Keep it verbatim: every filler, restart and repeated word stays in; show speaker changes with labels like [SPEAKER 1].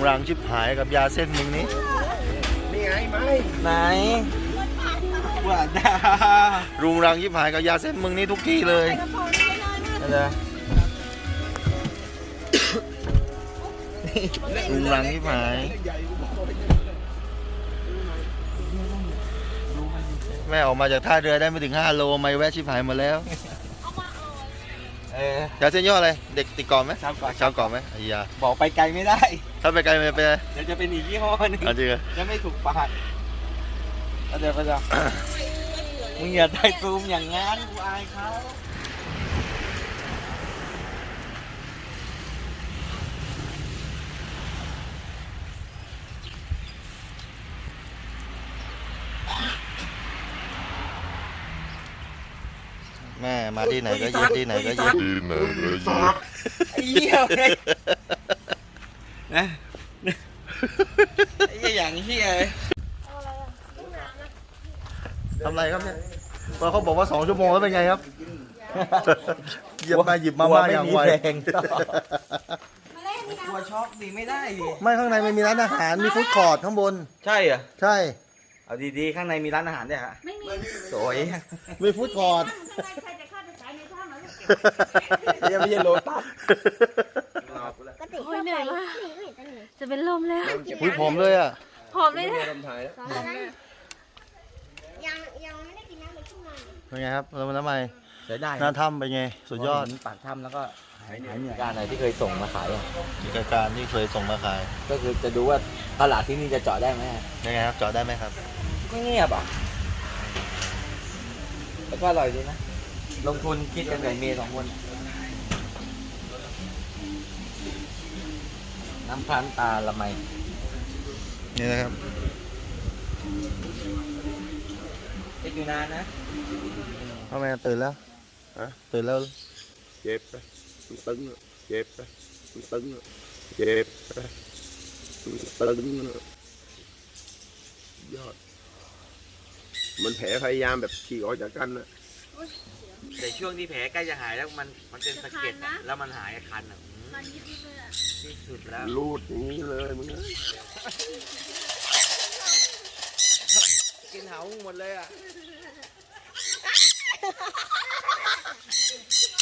[SPEAKER 1] รังชิบหายกับยาเส้นมึงนี้
[SPEAKER 2] นี่ไงไหม
[SPEAKER 3] ไหนว่าดา
[SPEAKER 1] รุงรังชิบหายกับยาเส้นมึงนี้ทุกที่เลยนะรุงรังชิบหายแม่ออกมาจากท่าเรือได้ไม่ถึงห้าโลไม่แวะชิบหายหมดแล้ว
[SPEAKER 3] เออย
[SPEAKER 1] าเส้นย่ออะไรเด็กติดกรอบไหม
[SPEAKER 3] ชาวเกาะ
[SPEAKER 1] ชาวเกาะไหมไอ้ยา
[SPEAKER 3] บอกไปไกลไม่ได้
[SPEAKER 1] ถ้าไปไกลมันจะเป็นอะไร
[SPEAKER 3] เดี๋ยวจะเป็นอีกยี่ห้อหนึง
[SPEAKER 1] เอาจริงเหรอ
[SPEAKER 3] จะไม่ถูกปากแล้วเดี๋ยวก็จะมึงอย่าได้ซูมอย่างงั้นกูอายเขา
[SPEAKER 1] แม่มาที่ไหนก็เย็ดที่ไหนก็เย็ด
[SPEAKER 3] ไอ้เหี้ยเลยนะไอ้เหี้ยอย่างเหี้ยเลย
[SPEAKER 1] ทำไรครับเนี่ยพอเขาบอกว่าสองชั่วโมงแล้วเป็นไงครับหยิบมาหยิบมาม่าอย่างไว
[SPEAKER 3] กลัวช็อกดิไม่ได้ดิ
[SPEAKER 1] ไม่ข้างในมันมีร้านอาหารมีฟู้ดคอร์ทข้างบน
[SPEAKER 3] ใช่เหรอ
[SPEAKER 1] ใช่
[SPEAKER 3] เอาดีๆข้างในมีร้านอาหารด้วยฮะ
[SPEAKER 4] ไม่มี
[SPEAKER 3] สวย
[SPEAKER 1] มีฟู้ดคอร์ท
[SPEAKER 4] ใครจะเข้าไปขายในถ้ำเหรอ
[SPEAKER 3] เรียกไม่ใช่โลตัส
[SPEAKER 4] โอ้ยเหนื่อยมากจะเป็นลมแล้ว
[SPEAKER 1] อุ้ยผอมเลยอ่ะ
[SPEAKER 4] หอมเลยนะ
[SPEAKER 5] ยังยังไม่ได้กินน้ำเลยขึ้นมา
[SPEAKER 1] เป็นไงครับแล้วมันทำไม
[SPEAKER 3] ใช้ได้
[SPEAKER 1] หน้าถ้ำเป็นไงสุดยอด
[SPEAKER 3] ปากถ้ำแล้วก็หายเหนื่อยการอะไรที่เคยส่งมาขายอ่ะ
[SPEAKER 1] กิจการที่เคยส่งมาขาย
[SPEAKER 3] ก็คือจะดูว่าตลาดที่นี่จะเจาะได้ไหม
[SPEAKER 1] ยังไงครับจอดได้ไหมครับ
[SPEAKER 3] ก็เงียบอ่ะแล้วก็อร่อยดีนะลงทุนคิดกันกับเมย์สองคนน้ำพรานตาละไม
[SPEAKER 1] นี่นะครับ
[SPEAKER 3] คิดอยู่นานนะ
[SPEAKER 1] ทำไมตื่นแล้วตื่นแล้ว
[SPEAKER 2] เจ็บไปตึงเจ็บไปตึงเจ็บไปตึงยอดมันแผลพยายามแบบฉีกออกจากกันนะ
[SPEAKER 3] แต่ช่วงที่แผลใกล้จะหายแล้วมันมันเป็นสะเก็ดอะแล้วมันหายคันอ่ะอืม
[SPEAKER 4] มันยิบยิบเลยอ่ะ
[SPEAKER 3] ที่สุดแล้ว
[SPEAKER 2] รูดอย่างนี้เลยมึง
[SPEAKER 3] กินเหาหมดเลยอ่ะ